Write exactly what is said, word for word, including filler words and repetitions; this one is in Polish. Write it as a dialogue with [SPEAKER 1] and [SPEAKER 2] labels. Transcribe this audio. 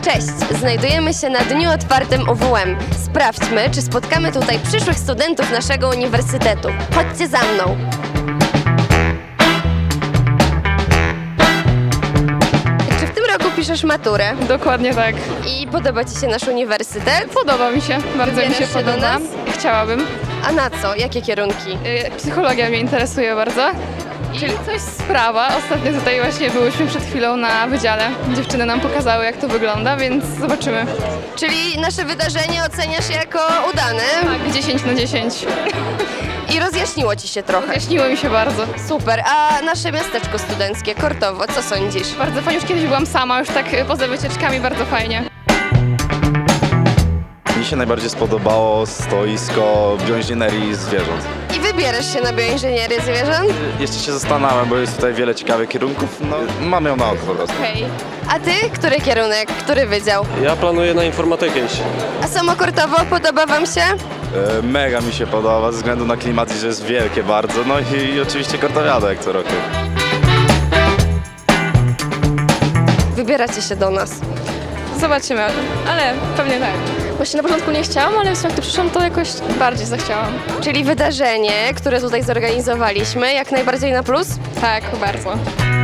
[SPEAKER 1] Cześć! Znajdujemy się na dniu otwartym U W M. Sprawdźmy, czy spotkamy tutaj przyszłych studentów naszego uniwersytetu. Chodźcie za mną! Czy w tym roku piszesz maturę?
[SPEAKER 2] Dokładnie tak.
[SPEAKER 1] I podoba Ci się nasz uniwersytet?
[SPEAKER 2] Podoba mi się, bardzo mi się
[SPEAKER 1] Wybierasz się do
[SPEAKER 2] podoba.
[SPEAKER 1] nas?
[SPEAKER 2] Chciałabym.
[SPEAKER 1] A na co? Jakie kierunki?
[SPEAKER 2] Y, Psychologia mnie interesuje bardzo. Czyli coś z prawa. Ostatnio tutaj właśnie byłyśmy przed chwilą na wydziale. Dziewczyny nam pokazały, jak to wygląda, więc zobaczymy.
[SPEAKER 1] Czyli nasze wydarzenie oceniasz jako udane?
[SPEAKER 2] Tak, dziesięć na dziesięć.
[SPEAKER 1] I rozjaśniło Ci się trochę.
[SPEAKER 2] Jaśniło mi się bardzo.
[SPEAKER 1] Super, a nasze miasteczko studenckie, Kortowo, co sądzisz?
[SPEAKER 2] Bardzo fajnie, już kiedyś byłam sama, już tak y, poza wycieczkami, bardzo fajnie.
[SPEAKER 3] Mi się najbardziej spodobało stoisko bioinżynierii zwierząt.
[SPEAKER 1] I wybierasz się na bioinżynierię zwierząt?
[SPEAKER 3] Jeszcze się zastanawiam, bo jest tutaj wiele ciekawych kierunków. No, mamy ją na oko po prostu.
[SPEAKER 2] Hej.
[SPEAKER 1] A Ty? Który kierunek? Który wydział?
[SPEAKER 4] Ja planuję na informatykę iść.
[SPEAKER 1] A samo Kortowo podoba Wam się?
[SPEAKER 3] E, mega mi się podoba ze względu na klimat i że jest wielkie bardzo. No i, i oczywiście Kortowiada jak co roku.
[SPEAKER 1] Wybieracie się do nas.
[SPEAKER 2] Zobaczymy, ale pewnie tak. Właśnie na początku nie chciałam, ale jak tu przyszłam, to jakoś bardziej zachciałam.
[SPEAKER 1] Czyli wydarzenie, które tutaj zorganizowaliśmy, jak najbardziej na plus?
[SPEAKER 2] Tak, bardzo.